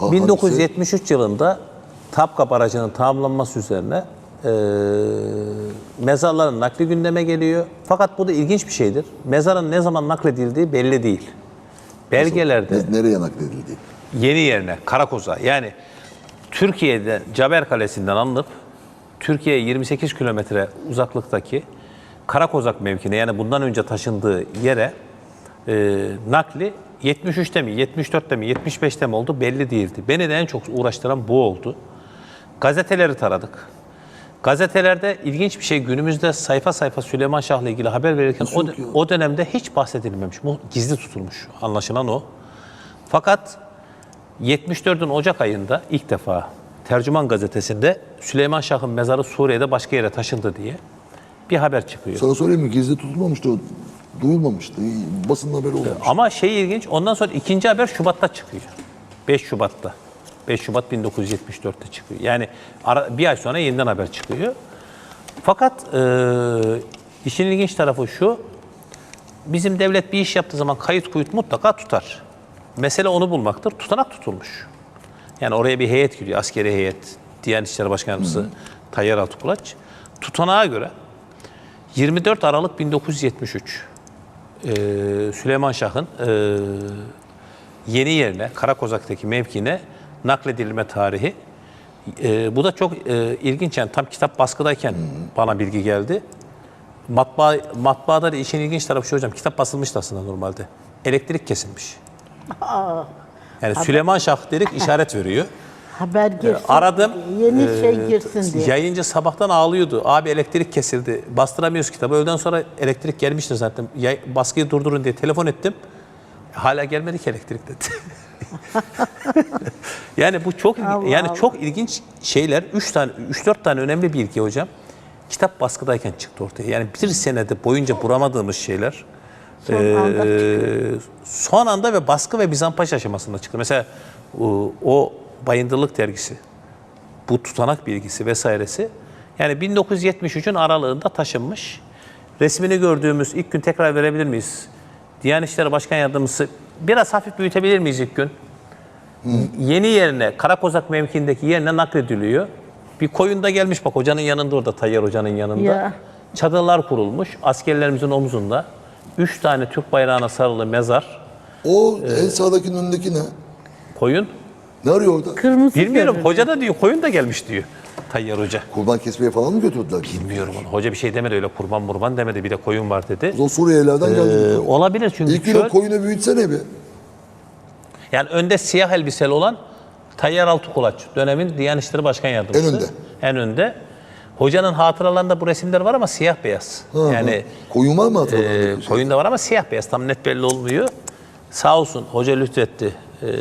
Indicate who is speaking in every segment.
Speaker 1: 1973 yılında Tapka Barajı'nın tamamlanması üzerine mezarların nakli gündeme geliyor. Fakat bu da ilginç bir şeydir. Mezarın ne zaman nakledildiği belli değil. Belgelerde
Speaker 2: Nereye nakledildi?
Speaker 1: yeni yerine, Karakoz'a, yani Türkiye'de Caber Kalesi'nden alınıp Türkiye'ye 28 kilometre uzaklıktaki Karakozak mevkine, yani bundan önce taşındığı yere nakli 73'te mi, 74'te mi, 75'te mi oldu belli değildi. Beni de en çok uğraştıran bu oldu. Gazeteleri taradık. Gazetelerde ilginç bir şey, günümüzde sayfa sayfa Süleyman Şah'la ilgili haber verirken o dönemde hiç bahsedilmemiş. Bu gizli tutulmuş, anlaşılan o. Fakat 74'ün Ocak ayında ilk defa Tercüman gazetesinde Süleyman Şah'ın mezarı Suriye'de başka yere taşındı diye bir haber çıkıyor.
Speaker 2: Sana söyleyeyim mi? Gizli tutulmamıştı o. Duyulmamıştı. Basın haberi olmamıştı.
Speaker 1: Ama şey ilginç, ondan sonra ikinci haber Şubat'ta çıkıyor. 5 Şubat'ta. 5 Şubat 1974'te çıkıyor. Yani bir ay sonra yeniden haber çıkıyor. Fakat işin ilginç tarafı şu, bizim devlet bir iş yaptığı zaman kayıt kuyut mutlaka tutar. Mesele onu bulmaktır. Tutanak tutulmuş. Yani oraya bir heyet gidiyor, askeri heyet, Diyanet İşleri Başkanımızı Tayyar Altıkulaç. Tutanağa göre 24 Aralık 1973 Süleyman Şah'ın yeni yerine, Karakozak'taki mevkine nakledilme tarihi. Bu da çok ilginç, yani tam kitap baskıdayken bana bilgi geldi. Matbaada da işin ilginç tarafı şu hocam, kitap basılmıştı aslında normalde. Elektrik kesilmiş. Yani Süleyman Şah dedik, işaret veriyor.
Speaker 3: Haber girsin,
Speaker 1: Aradım.
Speaker 3: yeni şey girsin diye.
Speaker 1: Yayıncı sabahtan ağlıyordu. Abi elektrik kesildi. Bastıramıyoruz kitabı. Öğleden sonra elektrik gelmiştir zaten. Baskıyı durdurun diye telefon ettim. Hala gelmedi ki elektrik dedi. Yani bu çok çok ilginç şeyler. 3-4 tane önemli bilgi hocam. Kitap baskıdayken çıktı ortaya. Yani bir senede boyunca bulamadığımız şeyler son anda ve baskı ve Bizampaş aşamasında çıktı. Mesela o Bayındırlık dergisi, bu tutanak bilgisi vesairesi, yani 1973'ün aralığında taşınmış. Resmini gördüğümüz ilk gün tekrar verebilir miyiz? Diyanet İşleri Başkan Yardımcısı, biraz hafif büyütebilir miyiz ilk gün? Yeni yerine, Karakozak mevkiindeki yerine naklediliyor. Bir koyun da gelmiş bak, hocanın yanında, orada Tayyar Hoca'nın yanında. Ya. Çadırlar kurulmuş, askerlerimizin omuzunda. 3 tane Türk bayrağına sarılı mezar.
Speaker 2: O en sağdakinin önündeki ne?
Speaker 1: Koyun.
Speaker 2: Ne arıyor orada?
Speaker 3: Kırmızı
Speaker 1: Bilmiyorum.
Speaker 3: görünüyor.
Speaker 1: Hoca da diyor, koyun da gelmiş diyor Tayyar Hoca.
Speaker 2: Kurban kesmeye falan mı götürdüler?
Speaker 1: Bilmiyorum onu. Hoca bir şey demedi, öyle kurban demedi. Bir de koyun var dedi.
Speaker 2: O Suriyelilerden geldi.
Speaker 1: Olabilir çünkü
Speaker 2: İlk gün o koyunu büyütsene bir.
Speaker 1: Yani önde siyah elbiseli olan Tayyar Altıkulaç, dönemin Diyanet İşleri Başkan Yardımcısı.
Speaker 2: En önde.
Speaker 1: En önde. Hocanın hatıralarında bu resimler var ama siyah beyaz. Yani
Speaker 2: koyun var mı hatırladığınız?
Speaker 1: koyun da var ama siyah beyaz. Tam net belli olmuyor. Sağ olsun hoca lütfetti.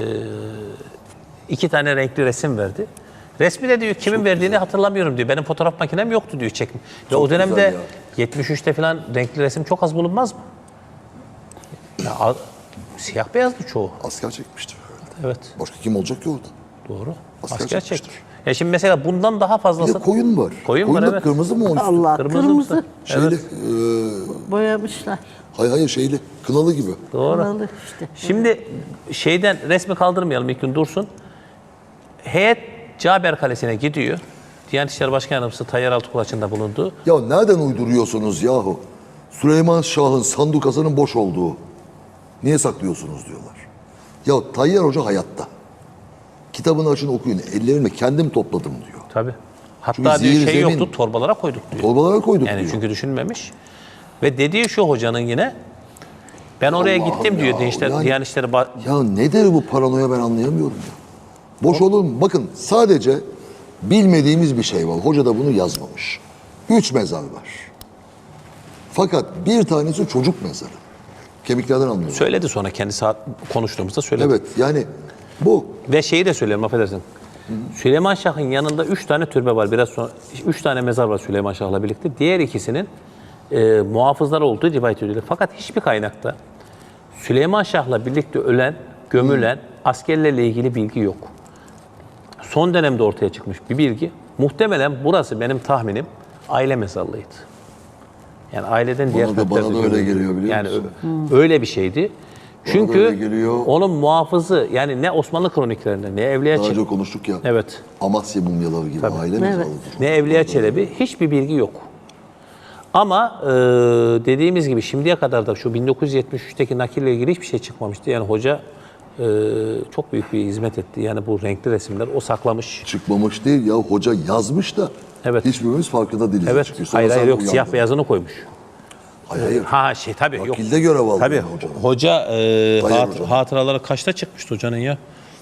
Speaker 1: 2 tane renkli resim verdi. Resmi de diyor kimin verdiğini hatırlamıyorum diyor. Benim fotoğraf makinem yoktu diyor, çekim. Ve o dönemde 73'te falan renkli resim çok az bulunmaz mı? Ya, siyah beyazdı çoğu.
Speaker 2: Asker çekmiştir.
Speaker 1: Evet.
Speaker 2: Başka kim olacak ki orada?
Speaker 1: Doğru.
Speaker 2: Asker
Speaker 1: Asker
Speaker 2: çekmiştir.
Speaker 1: çekmiş. Ya şimdi mesela bundan daha
Speaker 2: Bir
Speaker 1: fazlası...
Speaker 2: de koyun var.
Speaker 1: Koyun var,
Speaker 2: da
Speaker 1: evet.
Speaker 2: kırmızı mı onun üstü?
Speaker 3: Allah,
Speaker 1: Kırmızı.
Speaker 3: kırmızı.
Speaker 2: Şeyli,
Speaker 3: Boyamışlar.
Speaker 2: hayır şeyli, kınalı gibi.
Speaker 1: Doğru.
Speaker 3: Kınalı işte.
Speaker 1: Şimdi şeyden resmi kaldırmayalım, ilk gün dursun. Heyet Caber Kalesi'ne gidiyor. Diyanet İşleri Başkan Yardımcısı Tayyar Altıkulaç'ın da bulunduğu.
Speaker 2: Ya nereden uyduruyorsunuz yahu? Süleyman Şah'ın sandukasının boş olduğu. Niye saklıyorsunuz diyorlar. Ya Tayyar Hoca hayatta. Kitabını açın okuyun. Ellerimle kendim topladım diyor.
Speaker 1: Tabii. Hatta
Speaker 2: Çünkü
Speaker 1: diyor
Speaker 2: zehir
Speaker 1: şey
Speaker 2: zemin.
Speaker 1: yoktu, torbalara koyduk diyor.
Speaker 2: Torbalara koyduk
Speaker 1: Yani
Speaker 2: diyor.
Speaker 1: çünkü düşünmemiş. Ve dediği şu hocanın yine, ben oraya
Speaker 2: Allah'ım
Speaker 1: gittim diyor
Speaker 2: ya,
Speaker 1: Diyanet İşleri
Speaker 2: Ya nedir bu paranoya, ben anlayamıyorum ya. Boş olur mu? Bakın sadece bilmediğimiz bir şey var. Hoca da bunu yazmamış. 3 mezar var. Fakat bir tanesi çocuk mezarı. Kemiklerden anlıyoruz.
Speaker 1: Söyledi sonra kendisi konuştuğumuzda söyledi.
Speaker 2: Evet yani bu.
Speaker 1: Ve şeyi de söyleyelim, affedersin. Süleyman Şah'ın yanında 3 tane türbe var. Biraz sonra 3 tane mezar var Süleyman Şah'la birlikte. Diğer ikisinin muhafızlar olduğu rivayet ediliyor. Fakat hiçbir kaynakta Süleyman Şah'la birlikte ölen, gömülen askerlerle ilgili bilgi yok. Son dönemde ortaya çıkmış bir bilgi. Muhtemelen burası, benim tahminim, aile mezarlığıydı. Yani aileden diğer
Speaker 2: Bana da öyle
Speaker 1: gömüldü.
Speaker 2: geliyor, biliyor
Speaker 1: yani
Speaker 2: musun?
Speaker 1: öyle bir şeydi. Çünkü
Speaker 2: öyle geliyor.
Speaker 1: onun muhafızı yani ne Osmanlı kroniklerinde ne Evliya
Speaker 2: Daha
Speaker 1: Çelebi,
Speaker 2: önce konuştuk ya.
Speaker 1: evet,
Speaker 2: Amasya mumyaları gibi aile mezarlığı.
Speaker 1: ne Evliya Çelebi hiçbir bilgi yok. Ama dediğimiz gibi şimdiye kadar da şu 1973'teki nakille ilgili hiçbir şey çıkmamıştı. Yani hoca çok büyük bir hizmet etti. Yani bu renkli resimler o saklamış.
Speaker 2: Çıkmamış değil ya, hoca yazmış da
Speaker 1: Evet.
Speaker 2: hiçbirimiz farkında değiliz.
Speaker 1: Evet.
Speaker 2: Çünkü sonra
Speaker 1: Hayır
Speaker 2: sen
Speaker 1: yok,
Speaker 2: uyandın.
Speaker 1: siyah beyazını koymuş.
Speaker 2: Hayır.
Speaker 1: Ha şey tabii yok.
Speaker 2: Nakilde görev aldı
Speaker 1: Tabii
Speaker 2: yani hocanın.
Speaker 1: hoca
Speaker 2: hocam.
Speaker 1: hatıraları kaçta çıkmıştı hocanın ya?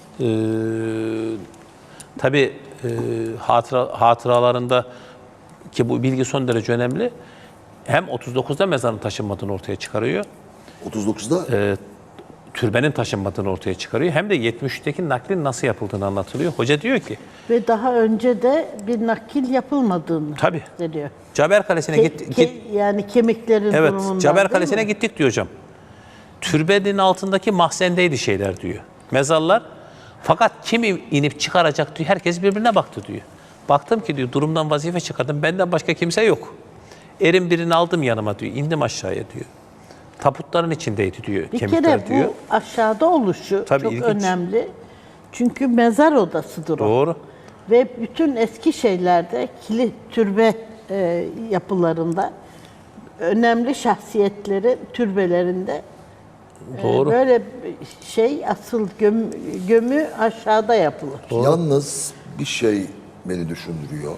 Speaker 1: Tabii hatıralarında ki bu bilgi son derece önemli. Hem 39'da mezarın taşınmadığını ortaya çıkarıyor.
Speaker 2: 39'da
Speaker 1: Türbenin taşınmadığını ortaya çıkarıyor. Hem de 73'teki naklin nasıl yapıldığını anlatılıyor. Hoca diyor ki
Speaker 3: Ve daha önce de bir nakil yapılmadığını
Speaker 1: Tabii.
Speaker 3: söylüyor.
Speaker 1: Caber Kalesi'ne git.
Speaker 3: Yani kemiklerin
Speaker 1: Evet,
Speaker 3: durumundan
Speaker 1: Caber
Speaker 3: değil
Speaker 1: Kalesi'ne
Speaker 3: mi?
Speaker 1: gittik diyor hocam. Türbenin altındaki mahzendeydi şeyler diyor. Mezarlar. Fakat kim inip çıkaracak diyor. Herkes birbirine baktı diyor. Baktım ki diyor durumdan vazife çıkardım. Benden başka kimse yok. Erin birini aldım yanıma diyor. İndim aşağıya diyor. Tabutların içindeydi diyor.
Speaker 3: Bir
Speaker 1: Kemikler
Speaker 3: kere
Speaker 1: diyor.
Speaker 3: bu aşağıda oluşu
Speaker 1: Tabii,
Speaker 3: çok
Speaker 1: ilginç.
Speaker 3: önemli. Çünkü mezar odasıdır o.
Speaker 1: Doğru.
Speaker 3: Ve bütün eski şeylerde, kilit türbe yapılarında önemli şahsiyetlerin türbelerinde
Speaker 1: Doğru.
Speaker 3: böyle şey asıl gömü aşağıda yapılır.
Speaker 2: yalnız bir şey beni düşündürüyor.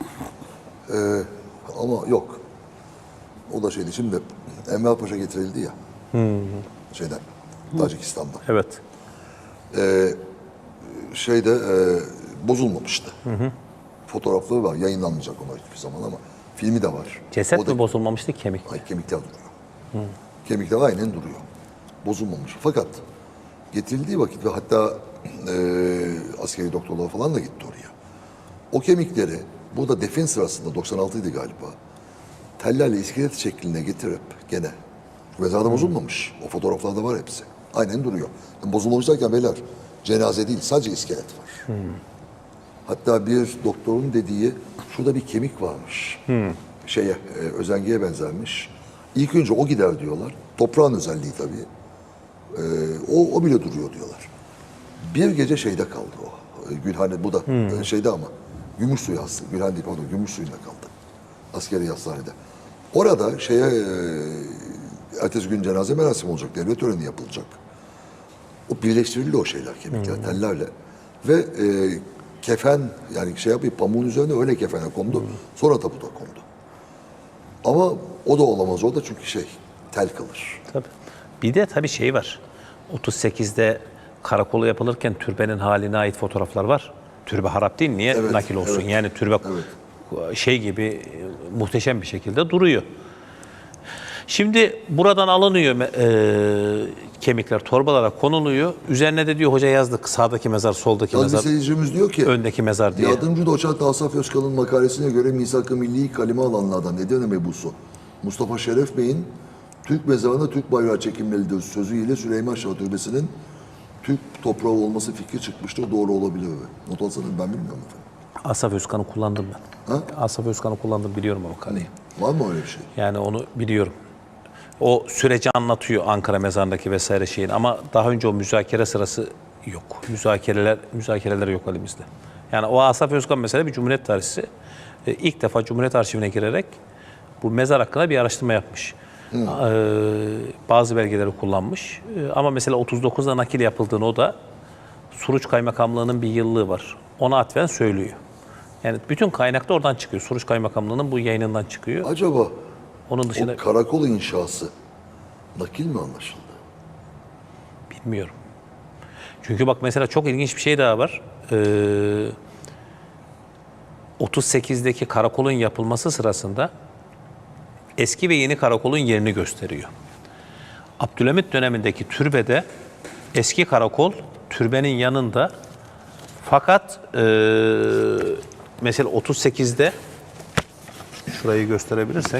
Speaker 2: Ama yok. O da şeydi şimdi Enver Paşa getirildi ya. Şeyden, Tacikistan'dan.
Speaker 1: Evet.
Speaker 2: Bozulmamıştı. Fotoğrafları var. Yayınlanmayacak ona hiçbir zaman ama filmi de var.
Speaker 1: Ceset
Speaker 2: O da-
Speaker 1: mi bozulmamıştı, kemik mi?
Speaker 2: Ay, kemikler duruyor. Kemikler aynen duruyor. Bozulmamış. Fakat getirildiği vakit ve hatta askeri doktorlar falan da gitti oraya. O kemikleri burada defin sırasında 96'ydı galiba. Tellerle iskelet şekline getirip gene mezarda bozulmamış. O fotoğraflarda var hepsi. Aynen duruyor. Yani bozulmamış derken beyler cenaze değil sadece iskelet var. Hatta bir doktorun dediği şurada bir kemik varmış. Özengiye benzermiş. İlk önce o gider diyorlar. Toprağın özelliği tabii. O bile duruyor diyorlar. Bir gece şeyde kaldı o. Gülhane bu da şeyde ama Gümüşsuyu hastası. Gülhane değil pardon Gümüşsuyu'nda kaldı. Askeri hastanede. Orada ertesi gün cenaze merasimi olacak. Devlet töreni yapılacak. O birleştirildi o şeyler kemikler tellerle. Ve kefen yani pamuğun üzerine öyle kefene kondu. Sonra tabuta kondu. Ama o da olamaz o da çünkü tel kalır.
Speaker 1: Tabii. Bir de tabii şey var. 38'de karakolu yapılırken türbenin haline ait fotoğraflar var. Türbe harap değil, niye
Speaker 2: Evet,
Speaker 1: nakil olsun?
Speaker 2: evet.
Speaker 1: Yani türbe şey gibi muhteşem bir şekilde duruyor. Şimdi buradan alınıyor kemikler torbalara konuluyor. Üzerine de diyor hoca yazdık sağdaki mezar, soldaki
Speaker 2: Yalnız bir
Speaker 1: mezar,
Speaker 2: seyircimiz diyor ki
Speaker 1: öndeki mezar diye.
Speaker 2: yardımcı doçent Asaf Özkan'ın makalesine göre Misak-ı Milli'yi kaleme alanlardan Edirne mebusu Mustafa Şeref Bey'in Türk mezarına Türk bayrağı çekilmelidir sözüyle Süleyman Şah Türbesi'nin Türk toprağı olması fikri çıkmıştır. Doğru olabilir mi? Not alsanız ben bilmiyorum efendim.
Speaker 1: Asaf Özkan'ı kullandım ben.
Speaker 2: Ha?
Speaker 1: Asaf Özkan'ı kullandım, biliyorum o makaleyi.
Speaker 2: Var mı öyle bir şey?
Speaker 1: Yani onu biliyorum. O süreci anlatıyor Ankara mezarındaki vesaire şeyin ama daha önce o müzakere sırası yok. Müzakereler yok elimizde. Yani o Asaf Özkan mesela bir Cumhuriyet tarihçisi. İlk defa Cumhuriyet Arşivine girerek bu mezar hakkında bir araştırma yapmış. Bazı belgeleri kullanmış. Ama mesela 39'da nakil yapıldığını o da Suruç Kaymakamlığı'nın bir yıllığı var. Ona atfen söylüyor. Yani bütün kaynak da oradan çıkıyor. Suruç Kaymakamlığı'nın bu yayınından çıkıyor.
Speaker 2: Acaba
Speaker 1: Onun dışında
Speaker 2: o karakol inşası nakil mi anlaşıldı?
Speaker 1: bilmiyorum. Çünkü bak mesela çok ilginç bir şey daha var. 38'deki karakolun yapılması sırasında eski ve yeni karakolun yerini gösteriyor. Abdülhamit dönemindeki türbede eski karakol türbenin yanında, fakat mesela 38'de şurayı gösterebilirsek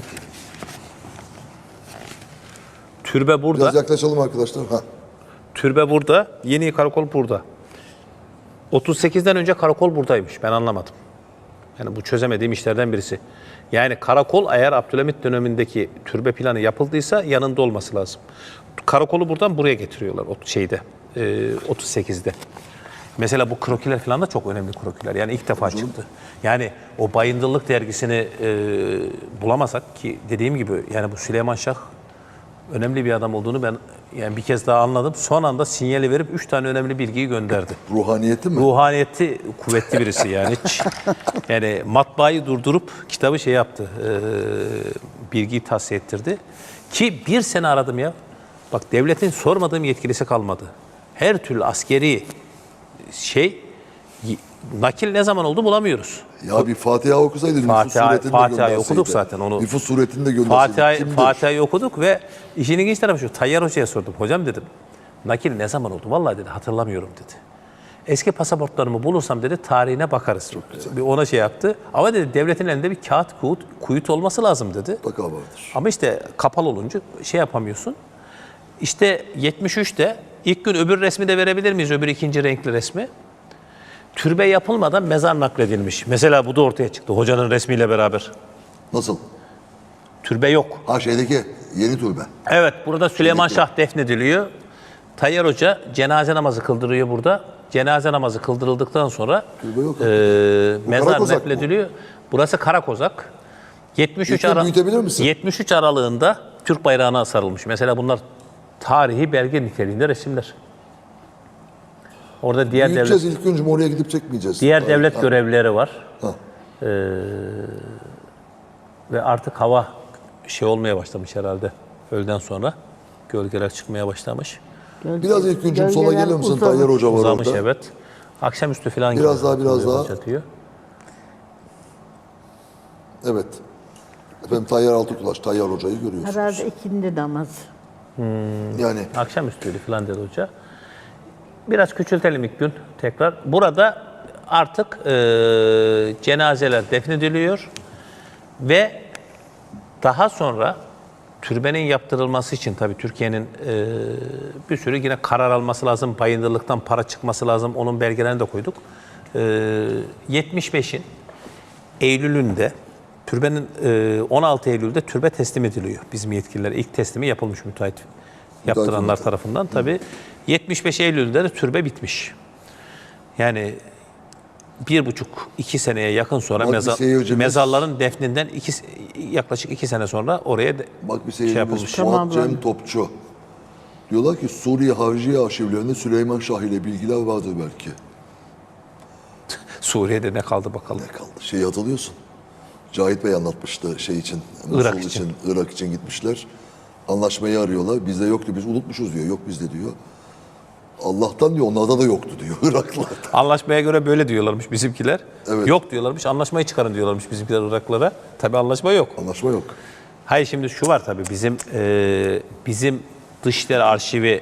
Speaker 1: türbe burada.
Speaker 2: Biraz yaklaşalım arkadaşlar.
Speaker 1: Türbe burada, yeni karakol burada. 38'den önce karakol buradaymış. Ben anlamadım. Yani bu çözemediğim işlerden birisi. Yani karakol eğer Abdülhamit dönemindeki türbe planı yapıldıysa yanında olması lazım. Karakolu buradan buraya getiriyorlar o şeyde 38'de. Mesela bu krokiler falan da çok önemli krokiler. Yani ilk defa çıktı. Yani o Bayındırlık dergisini bulamasak ki dediğim gibi yani bu Süleyman Şah önemli bir adam olduğunu ben yani bir kez daha anladım. Son anda sinyali verip 3 tane önemli bilgiyi gönderdi.
Speaker 2: Ruhaniyeti mi?
Speaker 1: Ruhaniyeti kuvvetli birisi yani. Yani matbaayı durdurup kitabı şey yaptı. Bilgiyi tahsis ettirdi. Ki bir sene aradım ya. Bak devletin sormadığım yetkilisi kalmadı. Her türlü askeri nakil ne zaman oldu bulamıyoruz.
Speaker 2: Ya bir Fatiha okusaydı nüfus suretinde
Speaker 1: Fatiha'yı okuduk zaten onu.
Speaker 2: Nüfus suretinde gönderseydi.
Speaker 1: Fatiha'yı okuduk ve işin ilginç tarafı şu. Tayyar Hoca'ya sordum. Hocam dedim. Nakil ne zaman oldu? Vallahi dedi hatırlamıyorum dedi. Eski pasaportlarımı bulursam dedi tarihine bakarız. Bir ona şey yaptı. Ama dedi devletin elinde bir kağıt kuyut olması lazım dedi.
Speaker 2: Mutlaka vardır.
Speaker 1: Ama işte kapalı olunca şey yapamıyorsun. İşte 73'te ilk gün öbür resmi de verebilir miyiz? Öbür ikinci renkli resmi. Türbe yapılmadan mezar nakledilmiş. Mesela bu da ortaya çıktı hocanın resmiyle beraber.
Speaker 2: Nasıl?
Speaker 1: Türbe yok.
Speaker 2: Ha şeydeki yeni türbe.
Speaker 1: Evet burada Süleyman Şah defnediliyor. Tayyar Hoca cenaze namazı kıldırıyor burada. Cenaze namazı kıldırıldıktan sonra
Speaker 2: Türbe yok.
Speaker 1: mezar
Speaker 2: Karakozak mı?
Speaker 1: naklediliyor. Burası Karakozak. 73
Speaker 2: Lütfen büyütebilir misin?
Speaker 1: 73 aralığında Türk bayrağına sarılmış. Mesela bunlar tarihi belge niteliğinde resimler. Orada diğer
Speaker 2: Büyüteceğiz ilk önce oraya gidip çekmeyeceğiz.
Speaker 1: diğer devlet görevlileri var.
Speaker 2: Ha.
Speaker 1: Ve artık hava şey olmaya başlamış herhalde. Öğleden sonra gölgeler çıkmaya başlamış.
Speaker 2: Biraz ilk önce sola
Speaker 3: Gölgeler
Speaker 2: gelir misin?
Speaker 3: uzamış.
Speaker 2: Tayyar Hoca var
Speaker 1: Uzamış
Speaker 2: orada.
Speaker 1: evet. Akşamüstü falan
Speaker 2: Biraz
Speaker 1: geliyor.
Speaker 2: daha, biraz daha.
Speaker 1: Çatıyor.
Speaker 2: Evet. Efendim Tayyar Altıkulaş, Tayyar Hoca'yı görüyorsunuz.
Speaker 3: Herhalde ikindi namazı.
Speaker 2: Yani
Speaker 1: Akşamüstüydü falan dedi hoca. Biraz küçültelim ilk gün tekrar. Burada artık cenazeler defnediliyor ve daha sonra türbenin yaptırılması için tabii Türkiye'nin bir sürü yine karar alması lazım. Bayındırlıktan para çıkması lazım. Onun belgelerini de koyduk. 75'in Eylül'ünde türbenin 16 Eylül'de türbe teslim ediliyor bizim yetkililere. İlk teslimi yapılmış müteahhit yaptıranlar tarafından. Tabii 75 Eylül'de de türbe bitmiş. Yani 1,5-2 seneye yakın sonra
Speaker 2: Bak bir seyircimiz-
Speaker 1: mezarların defninden yaklaşık 2 sene sonra oraya
Speaker 2: bak bir
Speaker 1: şey yapılmış.
Speaker 2: seyircimiz Fuat Cem Topçu. Diyorlar ki Suriye Harciye arşivlerinde Süleyman Şah ile bilgiler vardır belki.
Speaker 1: Suriye'de ne kaldı bakalım.
Speaker 2: Ne kaldı? Şeyi hatırlıyorsun. Cahit Bey anlatmıştı şey için.
Speaker 1: Irak
Speaker 2: Musul
Speaker 1: için.
Speaker 2: Irak için gitmişler. Anlaşmayı arıyorlar. Bizde yoktu. Biz unutmuşuz diyor. Yok bizde diyor. Allah'tan diyor onlarda da yoktu diyor Iraklılarda.
Speaker 1: Anlaşmaya göre böyle diyorlarmış bizimkiler.
Speaker 2: Evet.
Speaker 1: Yok diyorlarmış. Anlaşmayı çıkarın diyorlarmış bizimkiler Iraklılara. Tabii anlaşma yok.
Speaker 2: Anlaşma yok.
Speaker 1: Hayır şimdi şu var tabii bizim Dışişleri Arşivi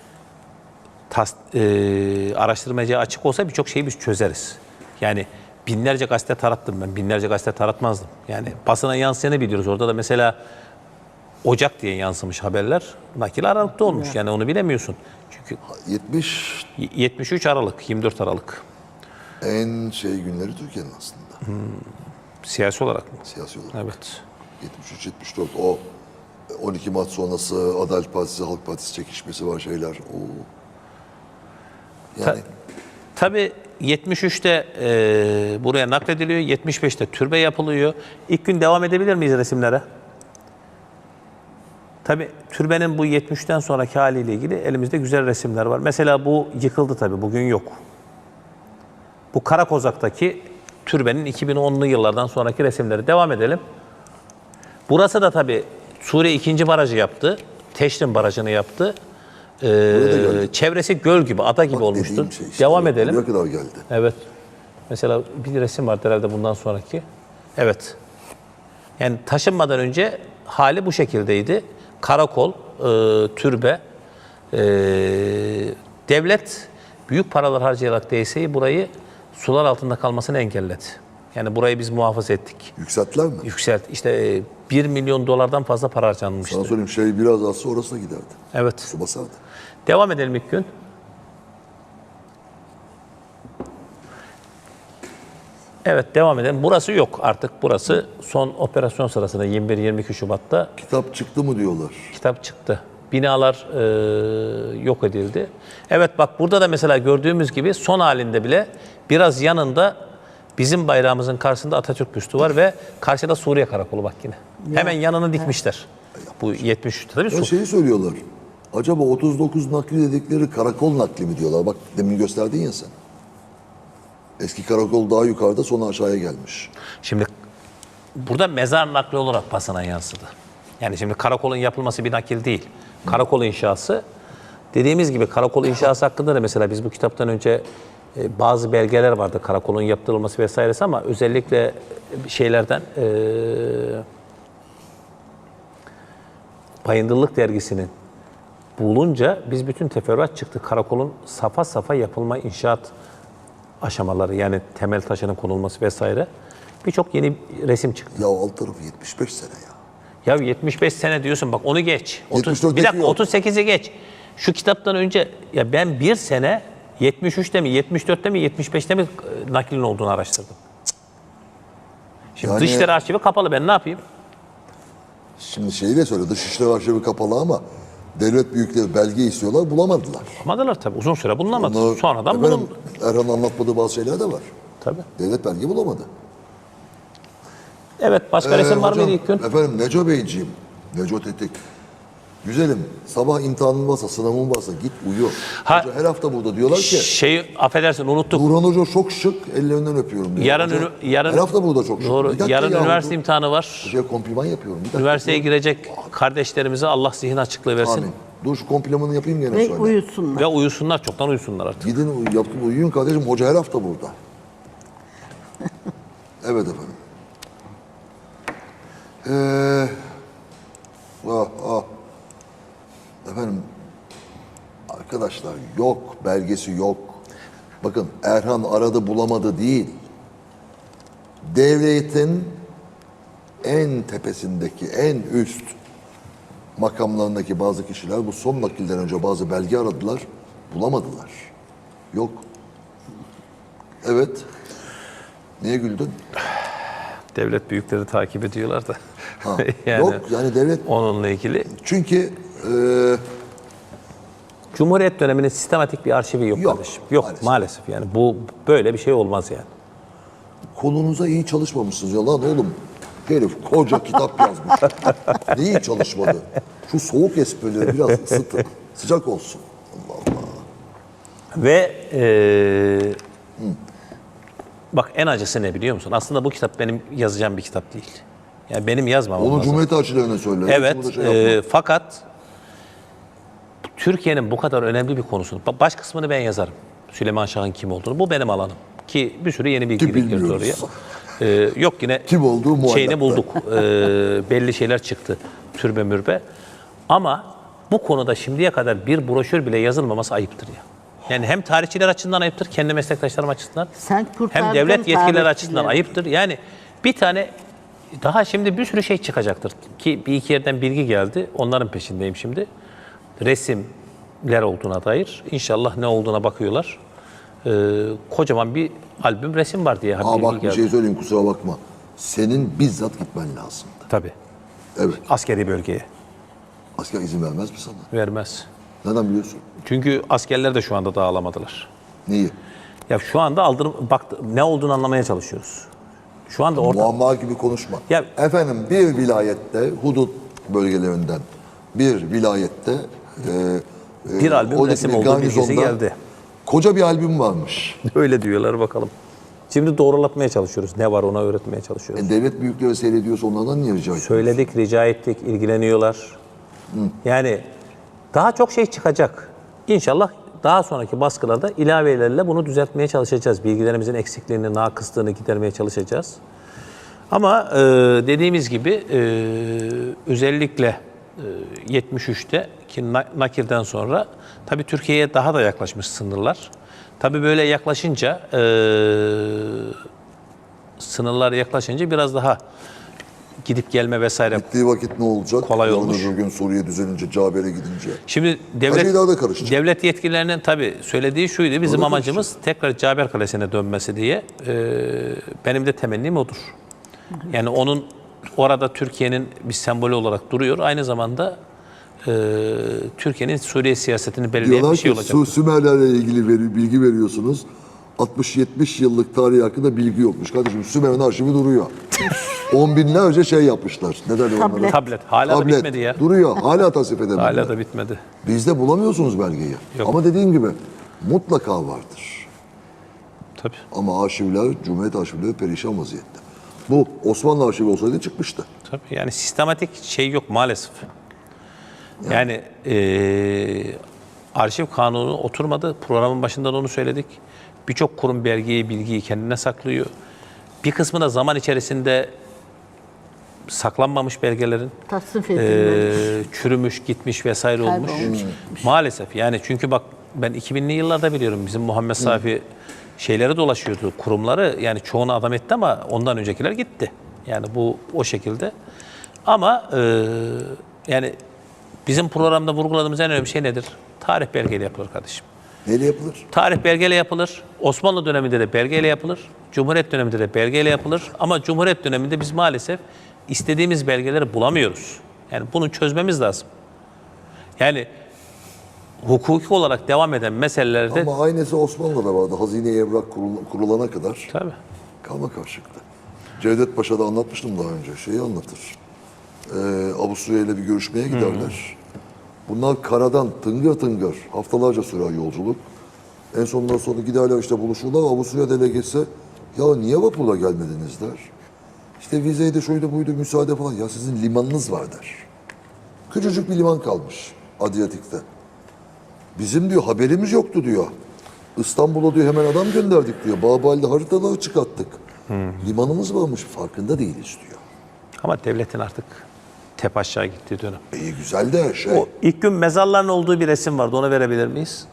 Speaker 1: araştırmacıya açık olsa birçok şeyi biz çözeriz. Yani binlerce gazete tarattım ben. Binlerce gazete taratmazdım. Yani basına yansıyanı biliyoruz. Orada da mesela Ocak diye yansımış haberler. Nakil Aralık'ta olmuş. Yani onu bilemiyorsun. Çünkü
Speaker 2: 70
Speaker 1: 73 Aralık, 24 Aralık.
Speaker 2: en şey günleri Türkiye'nin aslında.
Speaker 1: Siyasi olarak mı?
Speaker 2: Siyasi olarak.
Speaker 1: Evet.
Speaker 2: 73-74 o 12 Mart sonrası Adalet Partisi, Halk Partisi çekişmesi var şeyler. O yani
Speaker 1: Tabii 73'te buraya naklediliyor. 75'te türbe yapılıyor. İlk gün devam edebilir miyiz resimlere? Tabii türbenin bu 73'ten sonraki haliyle ilgili elimizde güzel resimler var. Mesela bu yıkıldı tabii. Bugün yok. Bu Karakozak'taki türbenin 2010'lu yıllardan sonraki resimleri. Devam edelim. Burası da tabii Suriye 2. barajı yaptı. Teşrin barajını yaptı. Çevresi göl gibi, ada gibi
Speaker 2: bak
Speaker 1: olmuştu.
Speaker 2: dediğim şey işte,
Speaker 1: Devam edelim.
Speaker 2: buraya kadar geldi.
Speaker 1: Evet. Mesela bir resim var herhalde bundan sonraki. Evet. Yani taşınmadan önce hali bu şekildeydi. Karakol, türbe, devlet büyük paralar harcayarak DSE'yi burayı sular altında kalmasını engelledi. Yani burayı biz muhafaza ettik.
Speaker 2: Yükselttiler mi?
Speaker 1: Yükselt. İşte 1 milyon dolardan fazla para harcanmıştı.
Speaker 2: Sana söyleyeyim şey biraz azsa orasına giderdi.
Speaker 1: Evet.
Speaker 2: Su basardı.
Speaker 1: Devam edelim ilk gün. Evet, devam edelim. Burası yok artık. Burası son operasyon sırasında 21-22 Şubat'ta
Speaker 2: Kitap çıktı mı diyorlar.
Speaker 1: kitap çıktı. Binalar yok edildi. Evet, bak burada da mesela gördüğümüz gibi son halinde bile biraz yanında bizim bayrağımızın karşısında Atatürk büstü var ve karşıda Suriye Karakolu bak yine. Hemen yanını dikmişler. Bu 73 tabii
Speaker 2: Ya şeyi söylüyorlar. Acaba 39 nakli dedikleri karakol nakli mi diyorlar? Bak demin gösterdin ya sen. Eski karakol daha yukarıda, sonra aşağıya gelmiş.
Speaker 1: Şimdi burada mezar nakli olarak basına yansıdı. Yani şimdi karakolun yapılması bir nakil değil. Karakol inşası, dediğimiz gibi karakol inşası hakkında da mesela biz bu kitaptan önce bazı belgeler vardı karakolun yaptırılması vesairesi, ama özellikle şeylerden Bayındırlık dergisinin bulunca biz bütün teferruat çıktı. Karakolun safa safa yapılma inşaat aşamaları, yani temel taşının konulması vesaire, birçok yeni resim çıktı.
Speaker 2: Ya alt tarafı 75 sene ya.
Speaker 1: Ya 75 sene diyorsun, bak onu geç.
Speaker 2: 74'teki
Speaker 1: bir dakika,
Speaker 2: yok.
Speaker 1: 38'i geç. Şu kitaptan önce ya ben bir sene 73'te mi, 74'te mi, 75'te mi naklin olduğunu araştırdım. Cık. Şimdi
Speaker 2: Yani-
Speaker 1: Dışişleri Arşivi kapalı, ben ne yapayım?
Speaker 2: Şimdi şeyi de söyle, Dışişleri Arşivi kapalı ama devlet büyükleri belge istiyorlar, bulamadılar.
Speaker 1: Bulamadılar tabii, uzun süre bulunamadı.
Speaker 2: Onlar-
Speaker 1: Sonradan
Speaker 2: efendim,
Speaker 1: bulundu.
Speaker 2: Erhan'ın anlatmadığı bazı şeyler de var.
Speaker 1: Tabii.
Speaker 2: Devlet belge bulamadı.
Speaker 1: Evet, başka resim var
Speaker 2: Hocam,
Speaker 1: mıydı ilk gün?
Speaker 2: Efendim Neco Beyciğim, Neco Tetik. Güzelim, sabah imtihanın varsa, sınavın varsa git uyu.
Speaker 1: Ha-
Speaker 2: Hoca her hafta burada diyorlar ki,
Speaker 1: Şeyi affedersin, unuttuk.
Speaker 2: Burhan Hoca çok şık, ellerinden öpüyorum diyor.
Speaker 1: Yarın
Speaker 2: Hoca,
Speaker 1: yarın
Speaker 2: her hafta burada çok şık.
Speaker 1: Doğru.
Speaker 2: Bir dakika
Speaker 1: Yarın
Speaker 2: yahu,
Speaker 1: üniversite
Speaker 2: dur.
Speaker 1: imtihanı var.
Speaker 2: Hocaya kompliman yapıyorum. Bir dakika.
Speaker 1: Üniversiteye girecek kardeşlerimize Allah zihin açıklığı versin.
Speaker 2: Amin. Dur şu komplimanı yapayım gene
Speaker 3: Ve
Speaker 2: söyle.
Speaker 3: uyusunlar.
Speaker 1: Ve uyusunlar, çoktan uyusunlar artık.
Speaker 2: Gidin yapın uyuyun kardeşim. Hoca her hafta burada. Evet efendim. Ah. Efendim arkadaşlar yok, belgesi yok. Bakın Erhan aradı bulamadı değil. Devletin en tepesindeki, en üst makamlarındaki bazı kişiler bu son nakilden önce bazı belge aradılar, bulamadılar. Yok. Evet. Niye güldün?
Speaker 1: Devlet büyükleri takip ediyorlar da.
Speaker 2: Ha, yok yani devlet
Speaker 1: Onunla ilgili.
Speaker 2: çünkü
Speaker 1: Cumhuriyet döneminin sistematik bir arşivi yok,
Speaker 2: Yok,
Speaker 1: kardeşim. Yok
Speaker 2: maalesef.
Speaker 1: maalesef. Yani bu böyle bir şey olmaz yani.
Speaker 2: konunuza iyi çalışmamışsınız ya lan oğlum. Herif koca kitap yazmış. Neyi çalışmadı? Şu soğuk esprileri biraz ısıtın. Sıcak olsun. Allah Allah.
Speaker 1: Ve bak en acısı ne biliyor musun? Aslında bu kitap benim yazacağım bir kitap değil. Yani benim yazmam
Speaker 2: Onu
Speaker 1: lazım.
Speaker 2: Cumhuriyet elçilerine söyle.
Speaker 1: Evet,
Speaker 2: Hiç burada şey yapma.
Speaker 1: fakat Türkiye'nin bu kadar önemli bir konusunu, baş kısmını ben yazarım. Süleyman Şah'ın kim olduğunu, bu benim alanım. Ki bir sürü yeni bilgi
Speaker 2: Ki
Speaker 1: girdi oraya.
Speaker 2: bilmiyoruz.
Speaker 1: Yok yine
Speaker 2: Kim olduğu muallak.
Speaker 1: şeyini bulduk. Belli şeyler çıktı, türbe mürbe. Ama bu konuda şimdiye kadar bir broşür bile yazılmaması ayıptır ya. Yani hem tarihçiler açısından ayıptır, kendi meslektaşlarım açısından.
Speaker 3: Sen kurtardın
Speaker 1: Hem devlet yetkilileri
Speaker 3: tarihçileri.
Speaker 1: açısından ayıptır. Yani bir tane daha şimdi bir sürü şey çıkacaktır. Ki bir iki yerden bilgi geldi. Onların peşindeyim şimdi. Resimler olduğuna dair. İnşallah ne olduğuna bakıyorlar. Kocaman bir albüm resim var diye
Speaker 2: Aa
Speaker 1: bilgi
Speaker 2: bak bir
Speaker 1: geldi.
Speaker 2: şey söyleyeyim kusura bakma. Senin bizzat gitmen lazımdı.
Speaker 1: Tabii.
Speaker 2: Evet.
Speaker 1: Askeri bölgeye
Speaker 2: Asker izin vermez mi sana?
Speaker 1: vermez.
Speaker 2: Neden biliyorsun?
Speaker 1: Çünkü askerler de şu anda dağılamadılar.
Speaker 2: Neyi?
Speaker 1: Ya şu anda bak ne olduğunu anlamaya çalışıyoruz. Şu anda orada
Speaker 2: Muamma gibi konuşma.
Speaker 1: Ya-
Speaker 2: Efendim bir vilayette, hudut bölgelerinden bir vilayette
Speaker 1: bir albüm
Speaker 2: oradaki
Speaker 1: resim
Speaker 2: bir
Speaker 1: olduğu bilgisi
Speaker 2: garnizonda
Speaker 1: geldi.
Speaker 2: Koca bir albüm varmış.
Speaker 1: Öyle diyorlar, bakalım. Şimdi doğrulatmaya çalışıyoruz. Ne var ona öğretmeye çalışıyoruz.
Speaker 2: Devlet büyükleri seyrediyorsa onlardan niye rica ediyorsun?
Speaker 1: Söyledik, rica ettik, ilgileniyorlar. Yani daha çok şey çıkacak. İnşallah daha sonraki baskılarda ilavelerle bunu düzeltmeye çalışacağız. Bilgilerimizin eksikliğini, nakıslığını gidermeye çalışacağız. Ama dediğimiz gibi özellikle 73'te ki nakilden sonra tabii Türkiye'ye daha da yaklaşmış sınırlar. Tabii böyle yaklaşınca sınırlar yaklaşınca biraz daha gidip gelme vesaire.
Speaker 2: Gittiği vakit ne olacak?
Speaker 1: Kolay
Speaker 2: Yarın
Speaker 1: olmuş.
Speaker 2: öbür gün Suriye düzelince, Caber'e gidince.
Speaker 1: Şimdi
Speaker 2: Her şey daha da karışacak.
Speaker 1: devlet yetkililerinin tabii söylediği şuydu. Bizim
Speaker 2: Doğru
Speaker 1: amacımız tekrar Caber Kalesi'ne dönmesi diye. Benim de temennim odur. Yani onun orada Türkiye'nin bir sembolü olarak duruyor. Aynı zamanda Türkiye'nin Suriye siyasetini belirleyen
Speaker 2: Diyorlar
Speaker 1: bir şey
Speaker 2: ki
Speaker 1: olacak.
Speaker 2: Sümerlerle ilgili bilgi veriyorsunuz. 60-70 yıllık tarih hakkında bilgi yokmuş. Kardeşim Sümer'in arşivi duruyor. On binlerce şey yapmışlar. Ne derler onlara?
Speaker 1: Tablet. Hala da bitmedi ya.
Speaker 2: Duruyor. Hala tasvip edemediler.
Speaker 1: Hala da bitmedi.
Speaker 2: Bizde bulamıyorsunuz belgeyi.
Speaker 1: Yok.
Speaker 2: Ama dediğim gibi mutlaka vardır.
Speaker 1: Tabii.
Speaker 2: Ama arşivler, Cumhuriyet arşivleri perişan vaziyette. Bu Osmanlı arşivi olsaydı çıkmıştı.
Speaker 1: Tabii yani sistematik şey yok maalesef. Yani arşiv kanunu oturmadı. Programın başında da onu söyledik. Birçok kurum belgeyi, bilgiyi kendine saklıyor. Bir kısmı da zaman içerisinde saklanmamış belgelerin
Speaker 3: Tasnif edilmemiş.
Speaker 1: çürümüş, gitmiş vesaire olmuş.
Speaker 3: Kaybolmuş,
Speaker 1: Maalesef yani çünkü bak ben 2000'li yıllarda biliyorum bizim Muhammed Safi şeyleri dolaşıyordu, kurumları. Yani çoğunu adam etti ama ondan öncekiler gitti. Yani bu o şekilde. Ama yani bizim programda vurguladığımız en önemli şey nedir? Tarih belgeyle yapılır kardeşim.
Speaker 2: Neyle yapılır?
Speaker 1: Tarih belgeyle yapılır. Osmanlı döneminde de belgeyle yapılır. Cumhuriyet döneminde de belgeyle yapılır. Ama Cumhuriyet döneminde biz maalesef istediğimiz belgeleri bulamıyoruz. Yani bunu çözmemiz lazım. Yani hukuki olarak devam eden meselelerde...
Speaker 2: Ama aynısı Osmanlı'da vardı. Hazine-i Evrak kurulana kadar.
Speaker 1: Tabii.
Speaker 2: Karma karşılıklı. Cevdet Paşa'da anlatmıştım daha önce. Şeyi anlatır. Avusturya ile bir görüşmeye giderler. Bunlar karadan tıngır tıngır haftalarca sürer yolculuk. En sonunda sonra giderler işte buluşurlar. Avusturya delegesi ya niye vapurla gelmediniz der. İşte vizeydi şuydu buydu müsaade falan. Ya sizin limanınız var der. Küçücük bir liman kalmış Adriyatik'te. Bizim diyor haberimiz yoktu diyor. İstanbul'a diyor hemen adam gönderdik diyor. Babali'de haritaları çıkarttık. Limanımız varmış farkında değiliz diyor.
Speaker 1: Ama devletin artık tep aşağı gittiği dönem.
Speaker 2: İyi güzel de şey.
Speaker 1: O ilk gün mezarların olduğu bir resim vardı. Onu verebilir miyiz?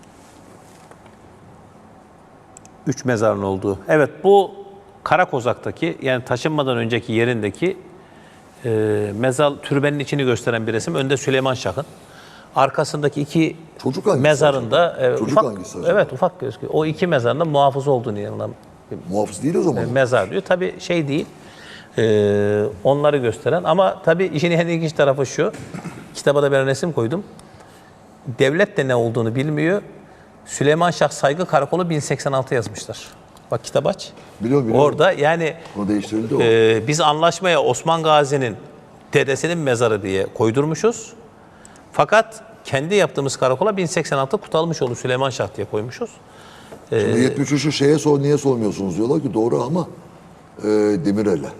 Speaker 1: 3 mezarın olduğu. Evet bu Karakozak'taki yani taşınmadan önceki yerindeki mezar türbenin içini gösteren bir resim. Önde Süleyman Şah'ın. Arkasındaki iki
Speaker 2: Çocuk hangisi
Speaker 1: mezarında
Speaker 2: Çocuk
Speaker 1: ufak,
Speaker 2: hangisi acaba?
Speaker 1: evet ufak gözüküyor. O iki mezarında muhafız olduğunu yanılan
Speaker 2: Muhafız değil o zaman.
Speaker 1: mezar diyor. Tabii şey değil. Onları gösteren ama tabii işin en ilginç tarafı şu. Kitaba da ben resim koydum. Devlet de ne olduğunu bilmiyor. Süleyman Şah Saygı Karakolu 1086 yazmışlar. Bak kitap aç.
Speaker 2: Biliyorum.
Speaker 1: Orada yani
Speaker 2: O değiştirildi o.
Speaker 1: biz anlaşmaya Osman Gazi'nin dedesinin mezarı diye koydurmuşuz. Fakat kendi yaptığımız karakola 1086 Kutalmışoğlu Süleyman Şah diye koymuşuz.
Speaker 2: Şimdi 73'ü niye sormuyorsunuz diyorlar ki doğru ama Demirel'e.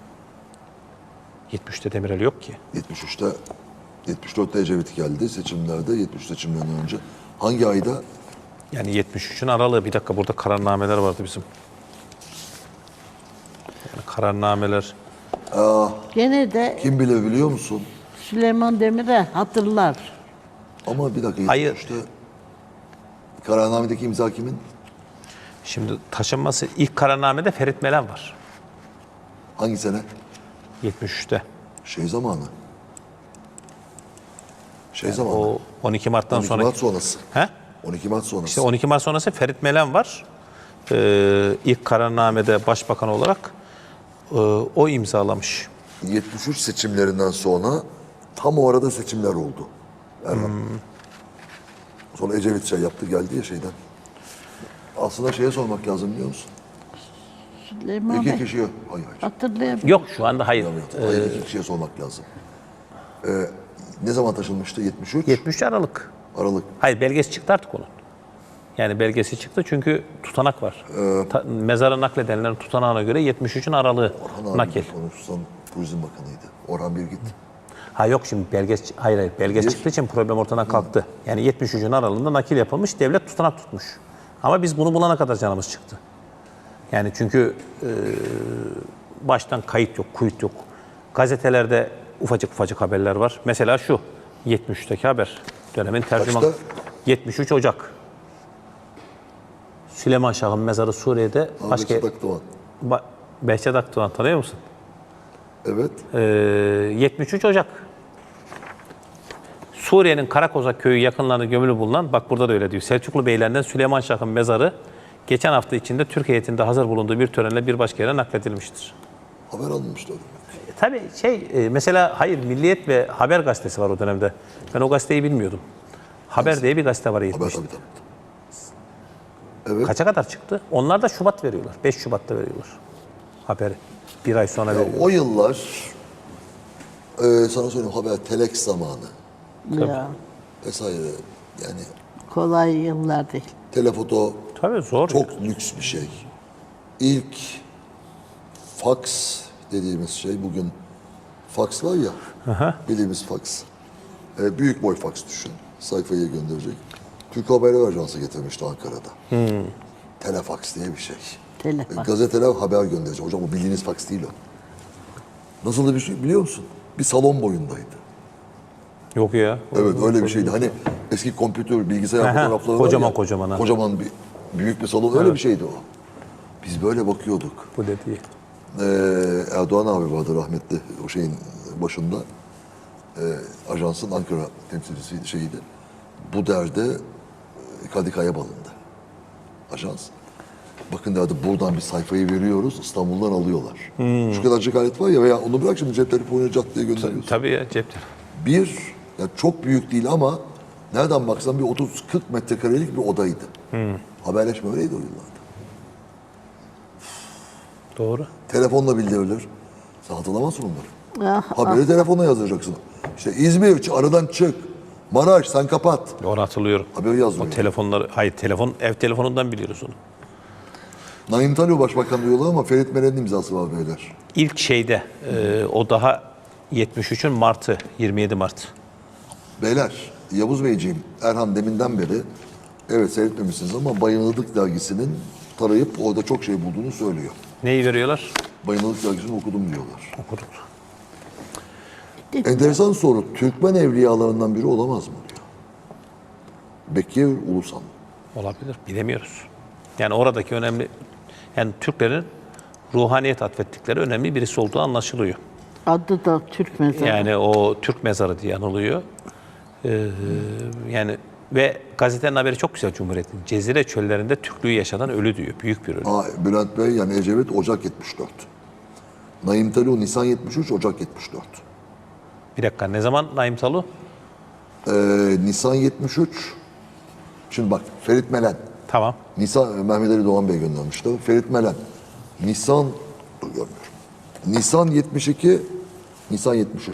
Speaker 1: 73'te Demirel yok ki.
Speaker 2: 73'te 74'te Ecevit geldi seçimlerde 73 seçimlerinden önce. Hangi ayda?
Speaker 1: Yani 73'ün aralığı. Bir dakika burada kararnameler vardı bizim. Yani kararnameler.
Speaker 3: Gene de
Speaker 2: Kim bilir biliyor musun?
Speaker 3: Süleyman Demirel hatırlar.
Speaker 2: Ama bir dakika
Speaker 1: Hayır.
Speaker 2: 73'te kararnamedeki imza kimin?
Speaker 1: Şimdi taşınması ilk kararnamede Ferit Melen var.
Speaker 2: Hangi sene?
Speaker 1: 73'te.
Speaker 2: Şey zamanı. Zamanı.
Speaker 1: O 12 Mart'tan
Speaker 2: 12
Speaker 1: sonra.
Speaker 2: Mart sonrası.
Speaker 1: He?
Speaker 2: 12 Mart sonrası.
Speaker 1: İşte 12 Mart sonrası Ferit Melen var. İlk kararnamede başbakan olarak o imzalamış.
Speaker 2: 73 seçimlerinden sonra tam o arada seçimler oldu. Erdoğan. Sonra Ecevit şey yaptı geldi ya şeyden. Aslında şeye sormak lazım biliyor musun?
Speaker 3: Süleyman
Speaker 2: İki
Speaker 3: Bey
Speaker 2: kişiye, hayır.
Speaker 3: hatırlayamıyorum.
Speaker 1: Yok şu anda hayır.
Speaker 2: Hayır, iki kişiye sormak lazım. Ne zaman taşınmıştı? 73?
Speaker 1: 73 Aralık.
Speaker 2: Aralık.
Speaker 1: Hayır belgesi çıktı artık onun. Yani belgesi çıktı çünkü tutanak var. Mezara nakledenlerin tutanağına göre 73'ün aralığı
Speaker 2: Orhan
Speaker 1: nakil.
Speaker 2: abi konuşsan Turizm Bakanı'ydı. Orhan Birgit.
Speaker 1: Ha yok şimdi belgesi, hayır belgesi
Speaker 2: Bir-
Speaker 1: çıktığı için problem ortadan kalktı. Yani 73'ün aralığında nakil yapılmış, devlet tutanak tutmuş. Ama biz bunu bulana kadar canımız çıktı. Yani çünkü baştan kayıt yok, kuyut yok. Gazetelerde ufacık haberler var. Mesela şu 73'teki haber. Dönemin tercüman.
Speaker 2: Kaçta?
Speaker 1: 73 Ocak. Süleyman Şah'ın mezarı Suriye'de.
Speaker 2: Ahmet Sedat Doğan.
Speaker 1: Behçet Akdoğan tanıyor musun?
Speaker 2: Evet.
Speaker 1: 73 Ocak. Suriye'nin Karakozak köyü yakınlarında gömülü bulunan, bak burada da öyle diyor, Selçuklu beylerinden Süleyman Şah'ın mezarı geçen hafta içinde Türk heyetinde hazır bulunduğu bir törenle bir başka yere nakledilmiştir.
Speaker 2: Haber alınmıştı.
Speaker 1: Tabii mesela hayır, Milliyet ve Haber gazetesi var o dönemde. Ben o gazeteyi bilmiyordum. Haber diye bir gazete var
Speaker 2: Haber
Speaker 1: 70.
Speaker 2: tabii. Evet.
Speaker 1: Kaça kadar çıktı? Onlar da Şubat veriyorlar. 5 Şubat'ta veriyorlar haberi. Bir ay sonra veriyorlar.
Speaker 2: O yıllar sana söyleyeyim haber telex zamanı
Speaker 3: Ya,
Speaker 2: vesaire yani
Speaker 3: kolay yıllar değil.
Speaker 2: telefoto
Speaker 1: Tabii zor.
Speaker 2: çok lüks bir şey. İlk fax dediğimiz şey bugün fax var ya bildiğimiz fax. Büyük boy fax düşün. Sayfaya gönderecek. Türk Haberler Ajansı getirmişti Ankara'da. Telefax diye bir şey.
Speaker 3: Telefax.
Speaker 2: Gazeteler haber gönderecek. Hocam o bildiğiniz fax değil o. Nasıl da bir şey biliyor musun? Bir salon boyundaydı.
Speaker 1: Yok ya.
Speaker 2: Evet öyle bir şeydi. Hani eski kompütür, bilgisayar
Speaker 1: Aha,
Speaker 2: fotoğrafları
Speaker 1: kocaman
Speaker 2: var ya.
Speaker 1: kocaman ha.
Speaker 2: Kocaman bir büyük bir salon öyle bir şeydi o. Biz böyle bakıyorduk.
Speaker 1: Bu dediği.
Speaker 2: Erdoğan abi vardı rahmetli o şeyin başında. Ajansın Ankara temsilcisiydi şeydi. Bu derde Kadikaya balındı. Ajans. Bakın derdi buradan bir sayfayı veriyoruz İstanbul'dan alıyorlar. Şu kadarcık alet var ya veya onu bırak şimdi cep telefonunu cat diye gönderiyorsun.
Speaker 1: Tabii ya, cep telefonu.
Speaker 2: Bir, yani çok büyük değil ama nereden baksan bir 30-40 metrekarelik bir odaydı. Haberleşme öyleydi o yıllarda.
Speaker 1: Doğru.
Speaker 2: Telefonla bildirilir. Sen hatırlamazsın onları.
Speaker 3: Ah,
Speaker 2: Haberi telefonla yazdıracaksın. İşte İzmir, aradan çık. Maraş, sen kapat.
Speaker 1: Onu hatırlıyorum.
Speaker 2: Haberi yazmıyor.
Speaker 1: O telefonları, hayır ev telefonundan biliyoruz onu.
Speaker 2: Naim Talio Başbakan diyorlar ama Ferit Meren'in imzası var beyler.
Speaker 1: İlk o daha 73'ün Mart'ı, 27 Mart.
Speaker 2: Beyler, Yavuz Beyciğim, Erhan deminden beri evet seyretmemişsiniz ama Bayınılık dergisinin tarayıp orada çok şey bulduğunu söylüyor.
Speaker 1: Neyi veriyorlar?
Speaker 2: Bayınılık dergisini okudum diyorlar.
Speaker 1: Okuduk.
Speaker 2: Enteresan soru. Türkmen evliyalarından biri olamaz mı diyor. Bekir Ulusan.
Speaker 1: Olabilir. Bilemiyoruz. Yani oradaki önemli, yani Türklerin ruhaniyet atfettikleri önemli birisi olduğu anlaşılıyor.
Speaker 3: adı da Türk mezarı.
Speaker 1: Yani o Türk mezarı diye anılıyor. Yani ve gazetenin haberi çok güzel Cumhuriyet'in. Cezire çöllerinde Türklüğü yaşadan ölü diyor. Büyük bir ölü.
Speaker 2: Bülent Bey yani Ecevit Ocak 74. Naim Talio Nisan 73, Ocak 74.
Speaker 1: Bir dakika, ne zaman Naim Talu?
Speaker 2: Nisan 73. Şimdi bak Ferit Melen.
Speaker 1: Tamam.
Speaker 2: Nisan Mehmet Ali Doğan Bey göndermişti. Ferit Melen. Dur görmüyorum. Nisan 72, Nisan 73.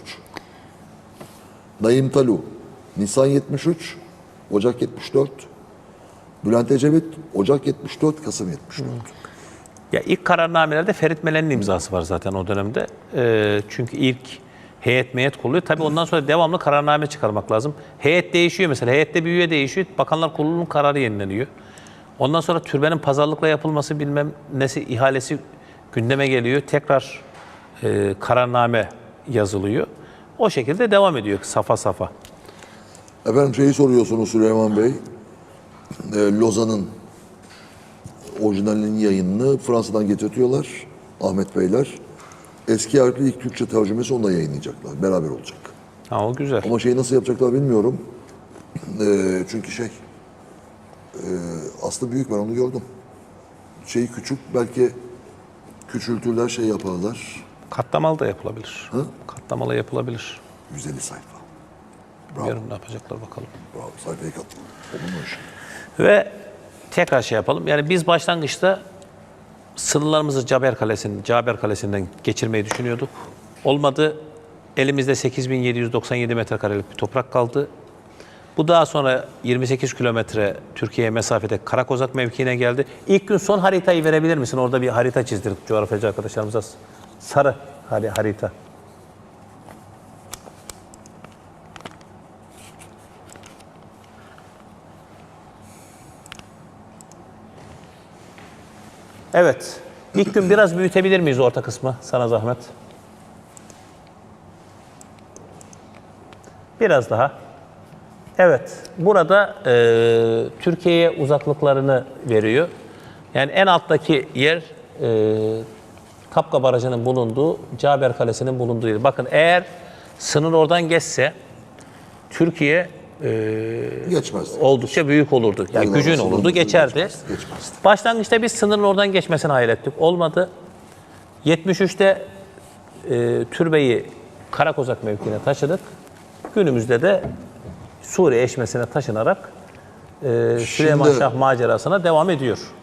Speaker 2: Naim Talu, Nisan 73, Ocak 74. Bülent Ecevit, Ocak 74, Kasım 74.
Speaker 1: Ya ilk kararnamelerde Ferit Melen'in imzası var zaten o dönemde. Çünkü ilk heyet kuruluyor. Tabii ondan sonra devamlı kararname çıkarmak lazım. Heyet değişiyor mesela. Heyette bir üye değişiyor. Bakanlar Kurulu'nun kararı yenileniyor. Ondan sonra türbenin pazarlıkla yapılması bilmem nesi ihalesi gündeme geliyor. Tekrar kararname yazılıyor. O şekilde devam ediyor safa safa.
Speaker 2: Efendim şeyi soruyorsunuz Süleyman Bey. Lozan'ın orijinalinin yayınını Fransa'dan getirtiyorlar Ahmet Beyler. Eski harfli ilk Türkçe tercümesi onunla yayınlayacaklar. Beraber olacak.
Speaker 1: Ha, o güzel.
Speaker 2: Ama şeyi nasıl yapacaklar bilmiyorum. Çünkü aslında büyük ben onu gördüm. Şeyi küçük belki küçültürler şey yaparlar.
Speaker 1: Katlamalı da yapılabilir. Katlamalı yapılabilir.
Speaker 2: 150 sayfa.
Speaker 1: Bilmiyorum ne yapacaklar bakalım.
Speaker 2: Bravo sayfayı katlı. Olmuş.
Speaker 1: Ve tekrar şey yapalım. Yani biz başlangıçta sınırlarımızı Caber Kalesi'nden geçirmeyi düşünüyorduk. Olmadı. Elimizde 8797 metrekarelik bir toprak kaldı. Bu daha sonra 28 kilometre Türkiye'ye mesafede Karakozak mevkiine geldi. İlk gün son haritayı verebilir misin? Orada bir harita çizdirdik coğrafyacı arkadaşlarımıza. Sarı harita. Evet. İlk gün biraz büyütebilir miyiz orta kısmı? Sana zahmet. Biraz daha. Evet. Burada Türkiye'ye uzaklıklarını veriyor. Yani en alttaki yer Tapka Barajı'nın bulunduğu, Caber Kalesi'nin bulunduğu yer. Bakın eğer sınır oradan geçse Türkiye
Speaker 2: Geçmezdi.
Speaker 1: oldukça büyük olurdu. Yani
Speaker 2: Eyvallah,
Speaker 1: gücün
Speaker 2: sınırımızı
Speaker 1: olurdu, geçerdi.
Speaker 2: geçmezdi.
Speaker 1: Başlangıçta biz sınırın oradan geçmesini hayal ettik. Olmadı. 73'te türbeyi Karakozak mevkiine taşıdık. Günümüzde de Suriye eşmesine taşınarak Süleyman Şah macerasına devam ediyor.